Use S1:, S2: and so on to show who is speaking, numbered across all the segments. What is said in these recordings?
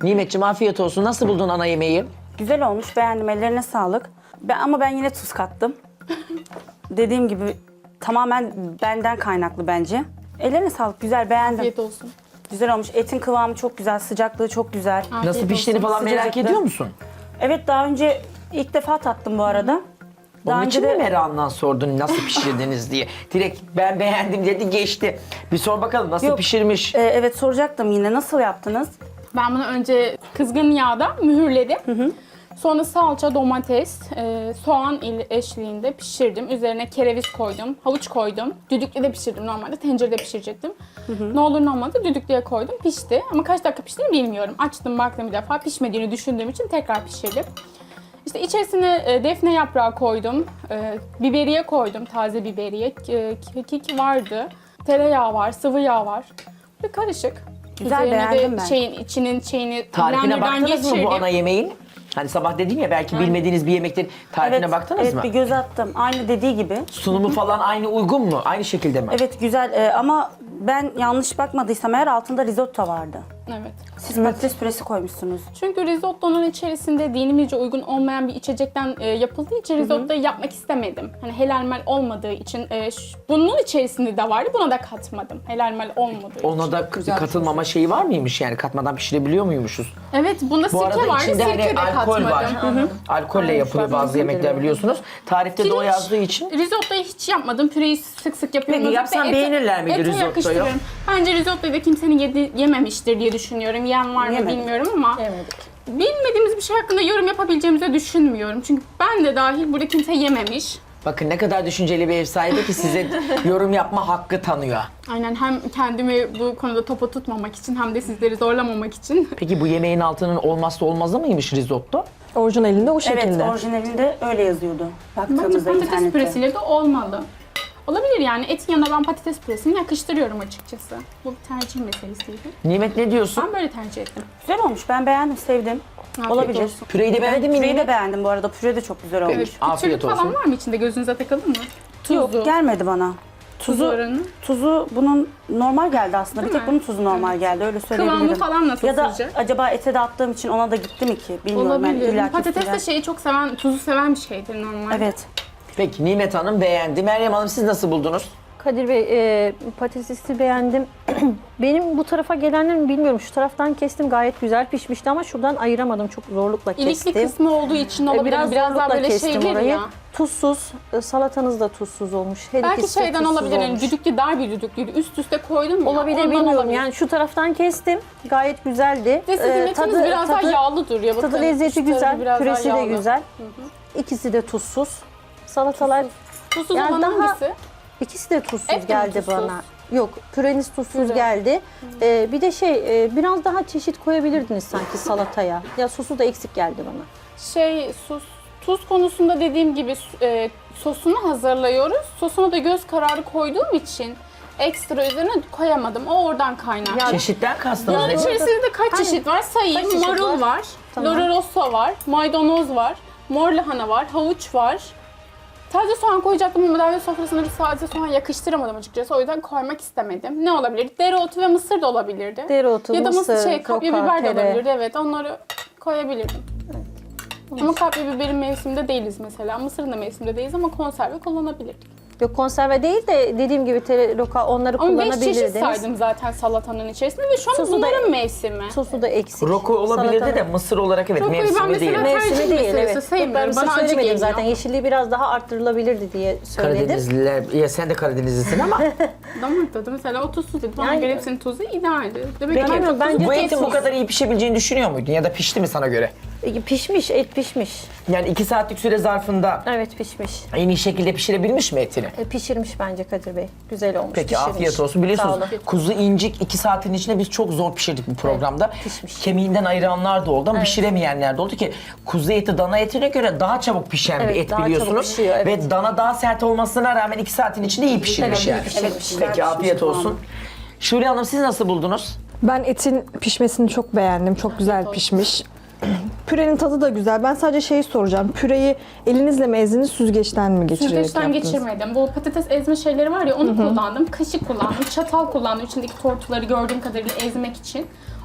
S1: Nimetciğim afiyet olsun. Nasıl buldun ana yemeği?
S2: Güzel olmuş, beğendim. Ellerine sağlık. Ama ben yine tuz kattım. Dediğim gibi tamamen benden kaynaklı bence. Ellerine sağlık, güzel, beğendim.
S3: Afiyet olsun.
S2: Güzel olmuş. Etin kıvamı çok güzel, sıcaklığı çok güzel.
S3: Afiyet
S1: Nasıl piştiğini
S3: olsun.
S1: falan merak
S2: Sıcacıktı.
S1: ediyor musun?
S2: Evet, daha önce ilk defa tattım bu arada. Daha
S1: Onun
S2: önce
S1: için mi
S2: de
S1: merakından sordun nasıl pişirdiniz diye? Direkt ben beğendim dedi geçti. Bir sor bakalım nasıl
S2: Yok.
S1: pişirmiş?
S2: evet, soracaktım yine. Nasıl yaptınız?
S3: Ben bunu önce kızgın yağda mühürledim. Sonra salça, domates, soğan eşliğinde pişirdim. Üzerine kereviz koydum, havuç koydum. Düdüklüde de pişirdim normalde. Tencerede pişirecektim. Ne olur ne olmaz da düdüklüye koydum. Pişti. Ama kaç dakika piştiğini bilmiyorum. Açtım baktım bir defa. Pişmediğini düşündüğüm için tekrar pişirdim. İşte içerisine defne yaprağı koydum. Biberiye koydum, taze biberiye. Kekik vardı. Tereyağı var, sıvı yağ var. Bir karışık.
S2: Güzel,
S3: Üzerine
S2: beğendim
S3: de
S2: ben.
S3: içinin şeyini
S1: Tarifine
S3: blenderdan
S1: baktınız mı bu
S3: geçirdim.
S1: ana yemeğin? Hani sabah dedim ya belki bilmediğiniz bir yemektir. Tarifine
S2: Evet,
S1: baktınız
S2: evet,
S1: mı?
S2: bir göz attım. Aynı dediği gibi.
S1: Sunumu falan aynı uygun mu? Aynı şekilde mi?
S2: Evet, güzel ama ben yanlış bakmadıysam eğer altında risotto vardı.
S3: Evet.
S2: Siz patates püresi koymuşsunuz.
S3: Çünkü risottonun içerisinde dinimizce uygun olmayan bir içecekten yapıldığı için risottoyu yapmak istemedim. Hani helalmel olmadığı için bunun içerisinde de vardı, buna da katmadım. Helalmel olmadığı için.
S1: Ona da katılmama şeyi var mıymış yani katmadan pişirebiliyor muymuşuz?
S3: Evet, bunda
S1: Bu arada
S3: sirke vardı,
S1: içinde
S3: sirke
S1: hani
S3: de
S1: alkol
S3: katmadım.
S1: var. Alkolle yapılıyor bazı yemekler biliyorsunuz. Tarifte de o
S3: Pirinç,
S1: yazdığı için.
S3: Risottoyu hiç yapmadım. Püreyi sık sık yapıyorum.
S1: Peki, yapsan beğenirler miydi risottoyu?
S3: Yakıştırıyorum. Bence risottoyu da kimsenin yememiştir diye düşünüyorum. Yiyen var mı
S2: Yemedik.
S3: bilmiyorum ama bilmediğimiz bir şey hakkında yorum yapabileceğimizi düşünmüyorum. Çünkü ben de dahil burada kimse yememiş.
S1: Bakın ne kadar düşünceli bir ev sahibi ki size yorum yapma hakkı tanıyor.
S3: Aynen, hem kendimi bu konuda topa tutmamak için hem de sizleri zorlamamak için.
S1: Peki bu yemeğin altının olmazsa olmazı mıymış risotto?
S4: Orijinalinde o şekilde.
S2: Evet, orijinalinde öyle yazıyordu.
S3: Bence
S2: Baktığımızda
S3: patates
S2: internette.
S3: püresiyle de olmalı. Olabilir yani, etin yanına ben patates püresini yakıştırıyorum açıkçası. Bu bir tercih meselesiydi.
S1: Nimet ne diyorsun?
S3: Ben böyle tercih ettim.
S2: Güzel olmuş. Ben beğendim, sevdim.
S3: Afiyet
S2: Olabilir.
S3: olsun.
S1: Püreyi de beğendin mi
S2: Püreyi de
S1: Nimet?
S2: beğendim bu arada. Püre de çok güzel olmuş.
S3: Evet,
S1: Afiyet
S3: küçülük falan
S1: olsun.
S3: var mı içinde? Gözünüze takıldı mı? Tuzu.
S2: Yok, gelmedi bana.
S3: Tuzu oranı.
S2: Tuzu bunun normal geldi aslında.
S3: Değil
S2: bir tek
S3: mi?
S2: bunun tuzu normal geldi. Öyle söyleyebilirim.
S3: Kıvamı falan nasıl
S2: Ya da
S3: sizce?
S2: acaba ete de attığım için ona da gitti mi ki? Bilmiyorum.
S3: Olabilir.
S2: Yani
S3: Patates de şeyi çok seven, tuzu seven bir şeydir normal.
S2: Evet.
S1: Peki Nimet Hanım beğendi. Meryem Hanım siz nasıl buldunuz?
S4: Kadir Bey, patatesi beğendim. Benim bu tarafa gelenlerin bilmiyorum. Şu taraftan kestim, gayet güzel pişmişti ama şuradan ayıramadım. Çok zorlukla kestim.
S3: İlikli kısmı olduğu için olabilir. Biraz daha
S4: zorlukla
S3: böyle
S4: kestim
S3: şeydir
S4: orayı.
S3: ya.
S4: Tuzsuz, salatanız da tuzsuz olmuş. Her
S3: Belki
S4: ikisi de
S3: şeyden
S4: tuzsuz
S3: olabilir. Yani
S4: olmuş.
S3: düdüklü, dar bir düdüklüydü. Üst üste koydum ya.
S4: Olabilir,
S3: ondan
S4: bilmiyorum.
S3: olabilir.
S4: Yani şu taraftan kestim. Gayet güzeldi.
S3: Ve sizin etiniz biraz daha yağlı duruyor. Bakın,
S4: Tadı lezzeti
S3: şu tarafı
S4: güzel,
S3: biraz daha
S4: püresi de
S3: yağlı.
S4: güzel. İkisi de tuzsuz. Salatalar,
S3: Tuzsuz
S4: Yani
S3: olan
S4: daha-
S3: hangisi?
S4: ikisi de tuzsuz
S3: Et de mi
S4: geldi
S3: tuzsuz?
S4: bana. Yok, püreniz tuzsuz
S3: Püre.
S4: geldi. Bir de biraz daha çeşit koyabilirdiniz sanki salataya. Ya sosu da eksik geldi bana.
S3: Tuz konusunda dediğim gibi sosunu hazırlıyoruz. Sosuna da göz kararı koyduğum için ekstra üzerine koyamadım. O oradan kaynaklı.
S1: Çeşitten kastınız
S3: Bunun
S1: ne?
S3: içerisinde de kaç çeşit var sayayım.
S4: Kaç çeşit
S3: Marul
S4: var?
S3: var,
S4: Tamam.
S3: loro rosso var, maydanoz var, mor lahana var, havuç var. Taze soğan koyacaktım ama davet sofrasına bir taze soğan yakıştıramadım açıkçası. O yüzden koymak istemedim. Ne olabilir? Dereotu ve mısır da olabilirdi.
S4: Dereotu,
S3: ya da
S4: mısır,
S3: kapya
S4: roka,
S3: biber de
S4: tere.
S3: olabilirdi. Evet, onları koyabilirdim. Ama kapya biberin mevsiminde değiliz mesela. Mısırın da mevsiminde değiliz ama konserve kullanabilirdik.
S4: Yok, konserve değil de dediğim gibi tere, roka onları
S3: Ama 5 çeşit
S4: kullanabilirdiniz.
S3: saydım zaten salatanın içerisinde ve şu an
S4: Sosu da-
S3: bunların mevsimi.
S4: Sosu da eksik.
S1: Roko olabilirdi
S4: Salata-
S1: de mısır olarak evet
S3: Rokoyu ben
S1: mevsimi değil.
S3: mesela-
S4: Mevsimi
S3: tercih
S4: değil,
S3: meselesi
S4: evet.
S3: sayılmıyor.
S4: Ben mısır
S3: Bana acı
S4: söylemedim
S3: geliyor.
S4: zaten. Yeşilliği biraz daha arttırılabilirdi diye söyledim.
S1: Karadenizliler, ya sen de Karadenizlisin ama
S3: Damak tadı mesela o tuzsuz dedi. Bana
S4: Yani-
S3: göre hepsinin tuzu idealdi. Demek
S1: peki
S4: Bilmiyorum, bence
S1: bu etin bu
S4: tuzsuz.
S1: kadar iyi pişebileceğini düşünüyor muydun ya da pişti mi sana göre?
S4: Pişmiş, et pişmiş.
S1: Yani 2 saatlik süre zarfında
S4: Evet, pişmiş.
S1: en iyi şekilde pişirebilmiş mi etini?
S4: Pişirmiş bence Kadir Bey. Güzel olmuş.
S1: Peki
S4: pişirmiş.
S1: afiyet olsun.
S4: Sağ
S1: Biliyorsunuz
S4: olun.
S1: kuzu incik 2 saatin içinde biz çok zor pişirdik bu programda.
S4: pişmiş.
S1: Kemiğinden ayıranlar da oldu ama pişiremeyenler de oldu ki kuzu eti dana etine göre daha çabuk pişen bir
S4: Evet,
S1: et
S4: daha çabuk
S1: biliyorsunuz.
S4: pişiyor, evet.
S1: Ve dana daha sert olmasına rağmen 2 saatin içinde iyi pişirmiş
S4: Evet, iyi
S1: yani.
S4: pişirmiş.
S2: Evet, güzel
S1: Peki afiyet
S2: pişmiş
S1: olsun. Şule Hanım siz nasıl buldunuz?
S5: Ben etin pişmesini çok beğendim. Çok güzel pişmiş. Pürenin tadı da güzel. Ben sadece şeyi soracağım. Püreyi elinizle mi ezdiniz, süzgeçten mi geçirerek
S3: Süzgeçten
S5: yaptınız?
S3: geçirmedim. Bu patates ezme şeyleri var ya, onu kullandım. Kaşık kullandım, çatal kullandım. İçindeki tortuları gördüğüm kadarıyla ezmek için.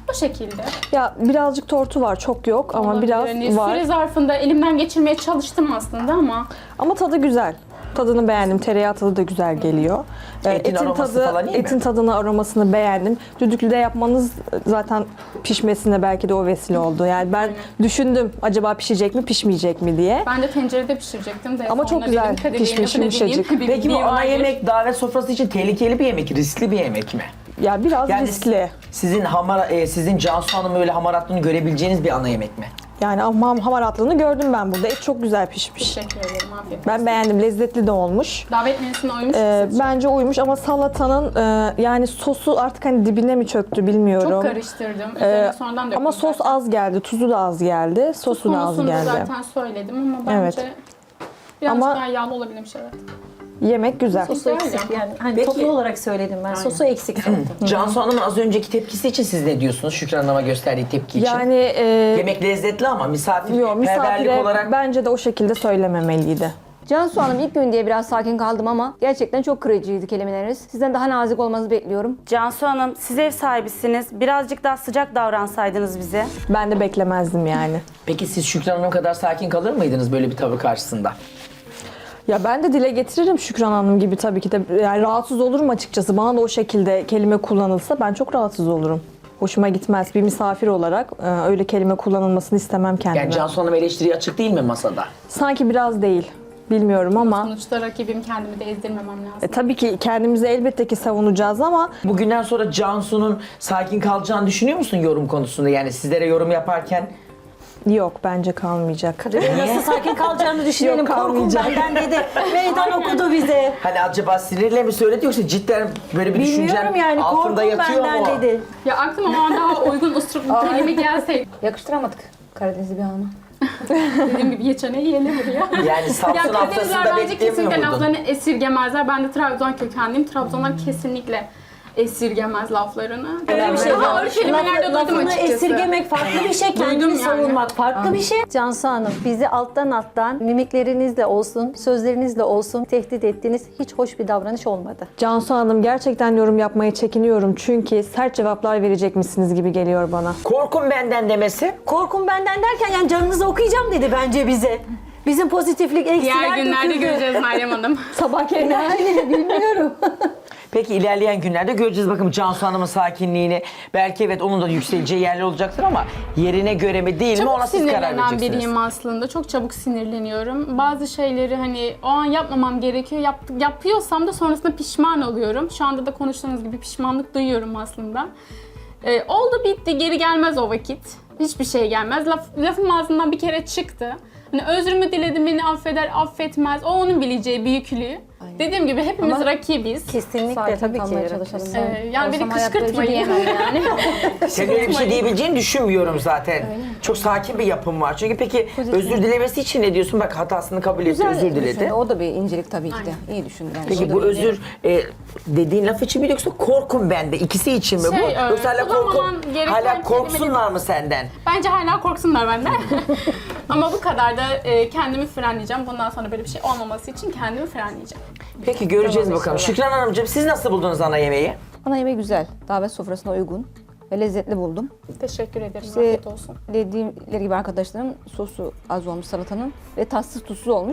S3: O şekilde.
S5: Ya birazcık tortu var, çok yok ama
S3: Olabilir.
S5: biraz
S3: Hani
S5: var.
S3: Süre zarfında elimden geçirmeye çalıştım aslında ama
S5: Ama tadı güzel. Tadını beğendim. Tereyağı tadı da güzel geliyor.
S1: Etin aroması falan iyi mi?
S5: Etin tadını, aromasını beğendim. Düdüklüde yapmanız zaten pişmesine belki de o vesile oldu. Yani ben düşündüm acaba pişecek mi, pişmeyecek mi diye.
S3: ben de tencerede pişirecektim de.
S5: Ama çok
S3: sonra
S5: güzel
S3: dedim, Kadir Bey'in
S5: pişmiş,
S3: lafını dinleyeyim.
S5: yumuşacık.
S3: Bir
S1: Peki bu
S3: bildiği
S1: ana
S3: vardır.
S1: yemek davet sofrası için tehlikeli bir yemek, riskli bir yemek mi?
S5: Ya biraz
S1: Yani
S5: riskli.
S1: sizin Cansu Hanım'ın öyle hamaratlığını görebileceğiniz bir ana yemek mi?
S5: Yani ama hamaratlığını gördüm ben burada. Et çok güzel pişmiş.
S3: Teşekkür ederim. Afiyet olsun.
S5: Ben beğendim. Lezzetli de olmuş.
S3: Davet menüsüne uymuş musunuz?
S5: Bence uymuş ama salatanın yani sosu artık hani dibine mi çöktü bilmiyorum.
S3: Çok karıştırdım. Üzerine sonradan döktüm.
S5: Ama sos
S3: zaten.
S5: az geldi. Tuzu da az geldi. Sosu da az
S3: Konusunu
S5: geldi.
S3: zaten söyledim ama bence
S5: Evet.
S3: birazcık
S5: Ama-
S3: daha yağlı olabilmiş evet.
S5: Yemek güzel.
S4: Sosu
S3: Güzel
S4: eksik
S3: ya.
S4: yani. Hani
S1: Peki-
S4: toplu olarak söyledim ben. Sosu eksik zaten.
S1: Cansu Hanım'ın az önceki tepkisi için siz ne diyorsunuz? Şükran Hanım'a gösterdiği tepki için.
S5: Yani
S1: Yemek lezzetli ama misafirperverlik
S5: misafire
S1: olarak
S5: bence de o şekilde söylememeliydi.
S6: Cansu Hanım ilk gün diye biraz sakin kaldım ama gerçekten çok kırıcıydı kelimeleriniz. Sizden daha nazik olmanızı bekliyorum.
S2: Cansu Hanım, siz ev sahibisiniz. Birazcık daha sıcak davransaydınız bize.
S5: Ben de beklemezdim yani.
S1: Peki siz Şükran Hanım kadar sakin kalır mıydınız böyle bir tavır karşısında?
S5: Ya ben de dile getiririm Şükran Hanım gibi tabii ki de. Yani rahatsız olurum açıkçası. Bana da o şekilde kelime kullanılsa ben çok rahatsız olurum. Hoşuma gitmez. Bir misafir olarak öyle kelime kullanılmasını istemem kendime.
S1: Yani Cansu Hanım eleştiriye açık değil mi masada?
S5: Sanki biraz değil. Bilmiyorum ama
S3: Sonuçta rakibim, kendimi de ezdirmemem lazım.
S5: tabii ki kendimizi elbette ki savunacağız ama
S1: Bugünden sonra Cansu'nun sakin kalacağını düşünüyor musun yorum konusunda? Yani sizlere yorum yaparken
S5: yok bence kalmayacak.
S4: Nasıl sakin kalacağını düşünelim.
S5: Yok,
S4: Korkum
S5: kalmayacak.
S4: benden dedi. Meydan okudu bize.
S1: hani acaba sinirle mi söyledi yoksa cidden böyle bir düşüncen
S4: Bilmiyorum yani. Korkum
S1: altında yatıyor
S4: benden
S1: mu?
S4: dedi.
S3: Ya aklıma o an daha uygun usluplu kelime gelseydi.
S6: Yakıştıramadık Karadenizli bir hanıma.
S3: Dediğim gibi yeteneği yerine vuruyor.
S1: Yani Samsun
S3: Ya
S1: haftasında
S3: Karadenizler bence kesinlikle
S1: beklemiyor muydun?
S3: laflarını esirgemezler. Ben de Trabzon kökenliyim. Trabzonlar kesinlikle esirgemez laflarını.
S4: Öyle bir şey
S3: Daha
S4: var.
S3: ağır kelimeler de duydum
S4: Lafını
S3: açıkçası.
S4: esirgemek farklı bir şey.
S3: Duydum
S4: Kendini
S3: yani.
S4: savunmak farklı bir şey. Cansu Hanım bizi alttan mimiklerinizle olsun, sözlerinizle olsun tehdit ettiğiniz hiç hoş bir davranış olmadı.
S5: Cansu Hanım gerçekten yorum yapmaya çekiniyorum çünkü sert cevaplar verecek misiniz gibi geliyor bana.
S1: Korkun benden demesi.
S4: Korkum benden derken yani canınızı okuyacağım dedi bence bize. Bizim pozitiflik
S3: Diğer
S4: eksiler
S3: günlerde
S4: döküldü.
S3: göreceğiz Meryem Hanım.
S5: Sabah
S4: Yani bilmiyorum.
S1: Peki ilerleyen günlerde göreceğiz bakalım Cansu Hanım'ın sakinliğini. Belki evet onun da yükseleceği yerler olacaktır ama yerine göre mi değil mi
S3: Çabuk
S1: ona siz karar
S3: sinirlenen
S1: vereceksiniz.
S3: biriyim aslında. Çok çabuk sinirleniyorum. Bazı şeyleri hani o an yapmamam gerekiyor. Yapıyorsam da sonrasında pişman oluyorum. Şu anda da konuştuğunuz gibi pişmanlık duyuyorum aslında. Oldu bitti, geri gelmez o vakit. Hiçbir şey gelmez. Lafım ağzından bir kere çıktı. Hani özrümü diledim, beni affeder, affetmez. O onun bileceği büyüklüğü. Dediğim gibi hepimiz rakibiz.
S4: Kesinlikle
S6: Sakin
S4: tabii
S6: kalmaya
S4: ki.
S6: çalışalım.
S3: Yani beni
S6: Olsam hayatta öyle
S3: kışkırtmayın.
S6: diyemem yani.
S1: Sen öyle bir şey diyebileceğini düşünmüyorum zaten. Çok sakin bir yapım var. Çünkü peki özür dilemesi için ne diyorsun? Bak hatasını kabul etti, özür diledi.
S6: O da bir incelik tabii ki de. İyi düşündü. Yani.
S1: Peki bu özür dediğin laf için mi yoksa korkun bende? İkisi için mi bu? Yoksa hala,
S3: kullanmaman gereken
S1: hala korksunlar
S3: kelimeleri-
S1: mı senden?
S3: Bence hala korksunlar benden. Ama bu kadar da kendimi frenleyeceğim. Bundan sonra böyle bir şey olmaması için kendimi frenleyeceğim.
S1: Peki göreceğiz
S6: Tamam,
S1: bakalım.
S6: inşallah.
S1: Şükran Hanımcığım siz nasıl buldunuz ana yemeği?
S6: Ana yemeği güzel. Davet sofrasına uygun ve lezzetli buldum.
S3: Teşekkür ederim.
S6: İşte
S3: Afiyet olsun.
S6: dediğimleri gibi arkadaşlarım sosu az olmuş salatanın ve tatsız tuzsuz olmuş.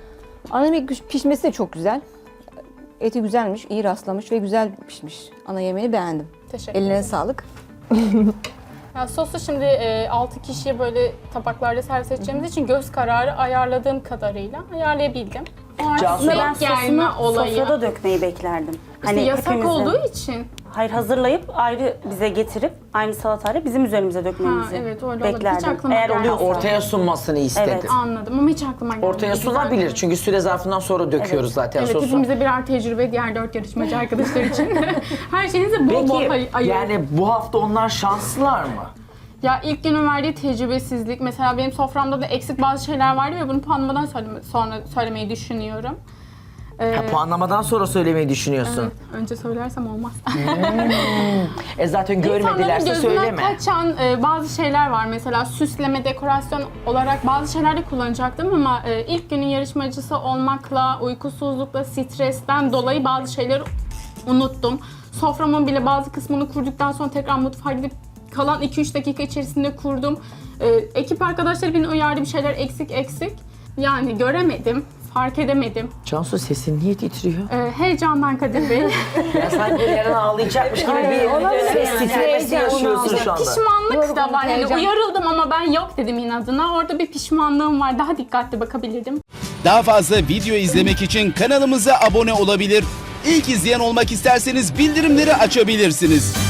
S6: Ana yemek pişmesi de çok güzel. Eti güzelmiş, iyi rastlamış ve güzel pişmiş. Ana yemeğini beğendim.
S3: Teşekkür
S6: Ellerine
S3: ederim.
S6: sağlık.
S3: Ya sosu şimdi 6 kişiye böyle tabaklarda servis edeceğimiz için göz kararı ayarladığım kadarıyla ayarlayabildim. O
S1: Cansu,
S3: aslında
S2: Ben
S3: denk gelme
S2: sosunu
S3: olayı.
S2: sofrada dökmeyi beklerdim.
S3: İşte yasak
S2: hepimizin-
S3: olduğu için.
S2: Hayır, hazırlayıp ayrı bize getirip aynı salatayla bizim üzerimize dökmemizi
S3: Ha, evet, öyle olabilir. Hiç
S2: beklerdim.
S3: aklıma
S2: Eğer
S3: gelmedi.
S2: oluyorsa.
S1: Ortaya sunmasını istedi.
S2: Evet.
S3: Anladım ama hiç aklıma gelmedi.
S1: Ortaya
S3: Güzel.
S1: sunabilir çünkü süre zarfından sonra döküyoruz zaten
S3: Evet,
S1: sosu.
S3: hepimize birer tecrübe diğer 4 yarışmacı arkadaşlar için. Her şeyinizi bol bol
S1: Peki
S3: ayırın.
S1: yani bu hafta onlar şanslılar mı?
S3: Ya ilk günün verdiği tecrübesizlik, mesela benim soframda da eksik bazı şeyler vardı ve bunu puanlamadan sonra söylemeyi düşünüyorum.
S1: Ha, puanlamadan sonra söylemeyi düşünüyorsun.
S3: Önce söylersem olmaz.
S1: Zaten
S3: İnsanların
S1: görmedilerse
S3: gözünden
S1: söyleme.
S3: kaçan bazı şeyler var. Mesela süsleme, dekorasyon olarak bazı şeyler de kullanacaktım ama ilk günün yarışmacısı olmakla, uykusuzlukla, stresten dolayı bazı şeyleri unuttum. Soframın bile bazı kısmını kurduktan sonra tekrar mutfağa gidip Kalan 2-3 dakika içerisinde kurdum. Ekip arkadaşları beni uyardı, bir şeyler eksik. Yani göremedim, fark edemedim.
S1: Cansu sesin niye titriyor?
S3: Heyecandan Kadir Bey.
S1: Ya sanki yarın ağlayacakmış gibi bir ses titremesi yaşıyorsun şu anda.
S3: Pişmanlık da var. Yani
S6: heyecan.
S3: uyarıldım ama ben yok dedim inadına. Orada bir pişmanlığım var. Daha dikkatli bakabilirdim.
S7: Daha fazla video izlemek için kanalımıza abone olabilir. İlk izleyen olmak isterseniz bildirimleri açabilirsiniz.